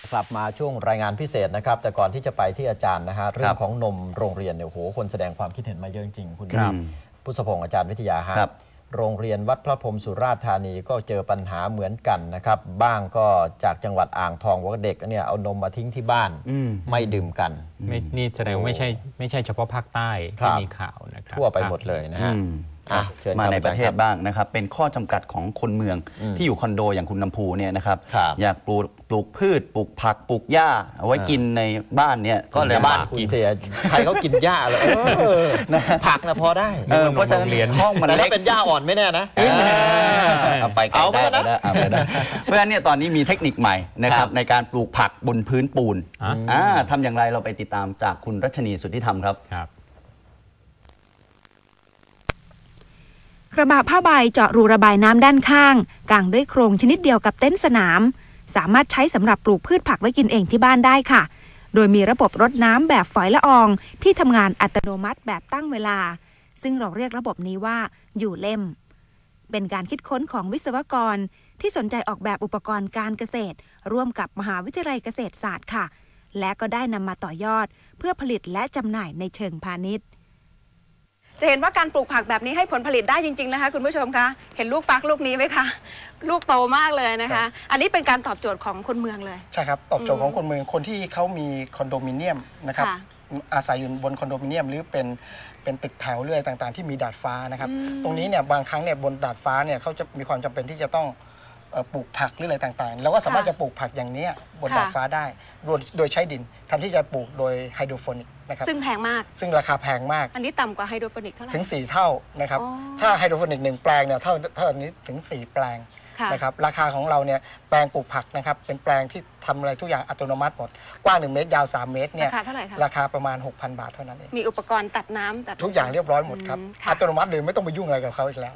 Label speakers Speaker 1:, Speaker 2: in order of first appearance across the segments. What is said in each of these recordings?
Speaker 1: กลับมาช่วงรายงานพิเศษนะครับแต่ก่อนที่จะไปที่อาจารย์นะฮะเรื่องของนมโรงเรียนเนี่ยโหคนแสดงความคิดเห็นมาเยอะจริงๆคุณพุทธพงศ์อาจารย์วิทยาฮะโรงเรียนวัดพระพรหมสุราษฎร์ธานีก็เจอปัญหาเหมือนกันนะครับบ้างก็จากจังหวัดอ่างทองว่าเด็กเนี่ยเอานมมาทิ้งที่บ้านไม่ดื่มกัน
Speaker 2: นี่แสดงไม่ใช่เฉพาะภาคใต้ที่มีข่าวนะครับ
Speaker 1: ทั่วไปหมดเลยนะฮะ
Speaker 3: มาในประเทศบ้างนะครับเป็นข้อจำกัดของคนเมืองที่อยู่คอนโดอย่างคุณน้ำพูเนี่ยนะครับอยากปลูกพืชปลูกผักปลูกหญ้าเอาไว้กินในบ้านเนี่ยก็เลย
Speaker 1: บ้านคุณเสียใครเขากินหญ้าเลยผักนะพอได้
Speaker 3: เพราะฉะนั้นห้องมันเล็ก
Speaker 1: เป็นหญ้าอ่อนไม่แน่นะ
Speaker 3: เอาไปกันได้เพราะฉะนั้นเนี่ยตอนนี้มีเทคนิคใหม่นะครับในการปลูกผักบนพื้นปูนทำอย่างไรเราไปติดตามจากคุณรัชนีสุทธิธรรมครับ
Speaker 4: กระบะผ้าใบเจาะรูระบายน้ำด้านข้างกางด้วยโครงชนิดเดียวกับเต็นท์สนามสามารถใช้สำหรับปลูกพืชผักไว้กินเองที่บ้านได้ค่ะโดยมีระบบรดน้ำแบบฝอยละอองที่ทำงานอัตโนมัติแบบตั้งเวลาซึ่งเราเรียกระบบนี้ว่าอยู่เล่มเป็นการคิดค้นของวิศวกรที่สนใจออกแบบอุปกรณ์การเกษตรร่วมกับมหาวิทยาลัยเกษตรศาสตร์ค่ะและก็ได้นำมาต่อยอดเพื่อผลิตและจำหน่ายในเชิงพาณิชย์จะเห็นว่าการปลูกผักแบบนี้ให้ผลผลิตได้จริงๆนะคะคุณผู้ชมคะเห็นลูกฟักลูกนี้ไหมคะลูกโตมากเลยนะคะอันนี้เป็นการตอบโจทย์ของคนเมืองเลย
Speaker 5: ใช่ครับตอบโจทย์ของคนเมืองคนที่เขามีคอนโดมิเนียมนะครับอาศัยอยู่บนคอนโดมิเนียมหรือเป็นตึกแถวเรื่อยต่างๆที่มีดาดฟ้านะครับตรงนี้เนี่ยบางครั้งเนี่ยบนดาดฟ้าเนี่ยเขาจะมีความจำเป็นที่จะต้องปลูกผักหรืออะไรต่างๆแล้วก็สามารถจะปลูกผักอย่างนี้บนดาดฟ้าได้โดยใช้ดินแทนที่จะปลูกโดยไฮโดรโปนิกนะครับ
Speaker 4: ซึ่งแพงมาก
Speaker 5: ซึ่งราคาแพงมาก
Speaker 4: อันนี้ต่ำกว่าไฮโดรโปนิกเท่าไหร่
Speaker 5: ถึง4 เท่านะครับถ้าไฮโดรโปนิก1แปลงเนี่ยเท่านี้ถึง4 แปลงนะครับราคาของเราเนี่ยแปลงปลูกผักนะครับเป็นแปลงที่ทำอะไรทุกอย่างอัตโนมัติหมดกว้าง1 เมตรยาว3 เมตรเนี่ยราคาประมาณ 6,000 บาทเท่านั้นเอง
Speaker 4: มีอุปกรณ์ตัดน้ำตัด
Speaker 5: ทุกอย่างเรียบร้อยหมดครับอัตโนมัติเลยไม่ต้องไปยุ่งอะไรกับเขาอีกแล้ว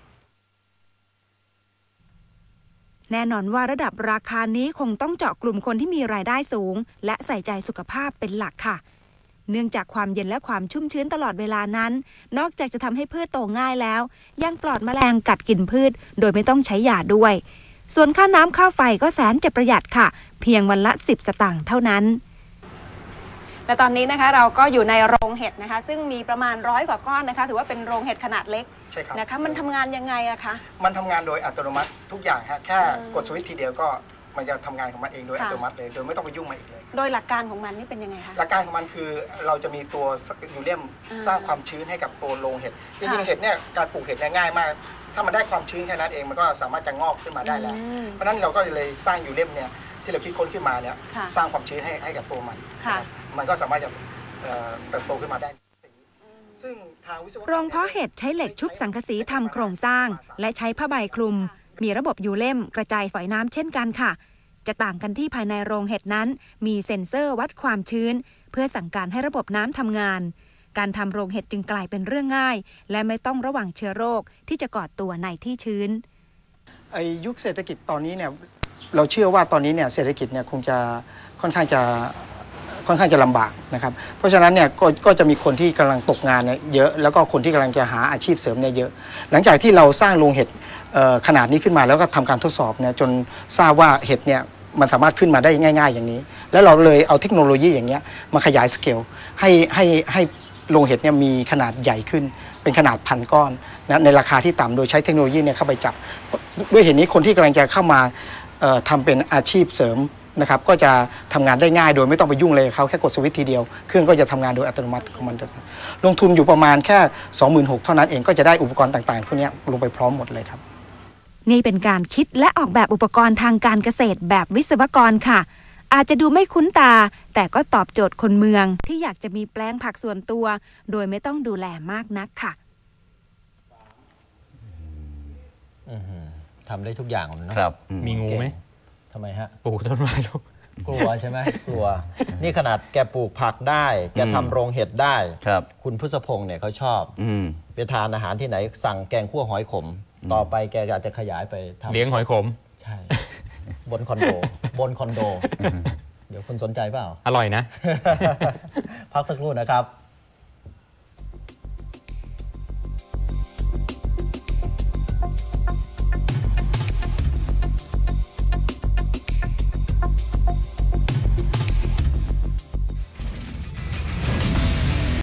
Speaker 4: แน่นอนว่าระดับราคานี้คงต้องเจาะกลุ่มคนที่มีรายได้สูงและใส่ใจสุขภาพเป็นหลักค่ะเนื่องจากความเย็นและความชุ่มชื้นตลอดเวลานั้นนอกจากจะทำให้พืชโตง่ายแล้วยังปลอดแมลงกัดกินพืชโดยไม่ต้องใช้ยาด้วยส่วนค่าน้ำค่าไฟก็แสนจะประหยัดค่ะเพียงวันละ10 สตางค์เท่านั้นและตอนนี้นะคะเราก็อยู่ในโรงเห็ดนะคะซึ่งมีประมาณ100 กว่าก้อนนะคะถือว่าเป็นโรงเห็ดขนาดเล็กนะคะมันทำงานยังไงอะคะ
Speaker 5: มันทำงานโดยอัตโนมัติทุกอย่างฮะแค่กดสวิตช์ทีเดียวก็มันจะทำงานของมันเองโดยอัตโนมัติเลยโดยไม่ต้องไปยุ่งมาอีกเลย
Speaker 4: โดยหลักการของมันนี่เป็นยังไงคะ
Speaker 5: หลักการของมันคือเราจะมีตัวยูเรียมสร้างความชื้นให้กับตัวโรงเห็ดจริงๆเห็ดเนี่ยการปลูกเห็ดเนี่ยง่ายมากถ้ามันได้ความชื้นแค่นั้นเองมันก็สามารถจะงอกขึ้นมาได้แล้วเพราะฉะนั้นเราก็เลยสร้างยูเรียมเนี่ยที่เราคิดค้นขึ้นมาเนี่ยสร้างความชื้นให้กับตัวมันก็สามารถจะเติบโตขึ้นมาได้
Speaker 4: ซึ่งทางวิศวกรโรงเพาะเห็ดใช้เหล็กชุบสังกะสีทำโครงสร้างและใช้ผ้าใบคลุมมีระบบยูเล่มกระจายฝอยน้ำเช่นกันค่ะจะต่างกันที่ภายในโรงเห็ดนั้นมีเซ็นเซอร์วัดความชื้นเพื่อสั่งการให้ระบบน้ำทำงานการทำโรงเห็ดจึงกลายเป็นเรื่องง่ายและไม่ต้องระวังเชื้อโรคที่จะก่อตัวในที่ชื้น
Speaker 5: ยุคเศรษฐกิจตอนนี้เนี่ยเราเชื่อว่าตอนนี้เนี่ยเศรษฐกิจเนี่ยคงจะค่อนข้างจะลำบากนะครับเพราะฉะนั้นเนี่ยก็จะมีคนที่กำลังตกงานเนี่ยเยอะแล้วก็คนที่กำลังจะหาอาชีพเสริมเนี่ยเยอะหลังจากที่เราสร้างโรงเห็ดขนาดนี้ขึ้นมาแล้วก็ทำการทดสอบเนี่ยจนทราบว่าเห็ดเนี่ยมันสามารถขึ้นมาได้ง่ายๆอย่างนี้แล้วเราเลยเอาเทคโนโลยีอย่างเงี้ยมาขยายสเกลให้โรงเห็ดเนี่ยมีขนาดใหญ่ขึ้นเป็นขนาด1,000 ก้อนนะในราคาที่ต่ำโดยใช้เทคโนโลยีเนี่ยเข้าไปจับด้วยเหตุนี้คนที่กำลังจะเข้ามาทำเป็นอาชีพเสริมนะครับก็จะทำงานได้ง่ายโดยไม่ต้องไปยุ่งเลยเขาแค่กดสวิตช์ทีเดียวเครื่องก็จะทำงานโดยอัตโนมัติของมันลงทุนอยู่ประมาณแค่ 26,000 เท่านั้นเองก็จะได้อุปกรณ์ต่างๆพวกนี้ลงไปพร้อมหมดเลยครับ
Speaker 4: นี่เป็นการคิดและออกแบบอุปกรณ์ทางการเกษตรแบบวิศวกรค่ะอาจจะดูไม่คุ้นตาแต่ก็ตอบโจทย์คนเมืองที่อยากจะมีแปลงผักส่วนตัวโดยไม่ต้องดูแลมากนักค่ะ
Speaker 1: ทำได้ทุกอย่างนะครับ
Speaker 2: มีงูไหม
Speaker 1: ทำไมฮะ
Speaker 2: ปลูกต้นไม้ลูก
Speaker 1: กลัวใช่ไหมกลัวนี่ขนาดแกปลูกผักได้แกทำโรงเห็ดได้คุณพุทธพงศ์เนี่ยเขาชอบไปทานอาหารที่ไหนสั่งแกงคั่วหอยขมต่อไปแกอาจจะขยายไปทำ
Speaker 2: เลี้ยงหอยขม
Speaker 1: ใช่บนคอนโดเดี๋ยวคุณสนใจเปล่า
Speaker 2: อร่อยนะ
Speaker 1: พักสักครู่นะครับ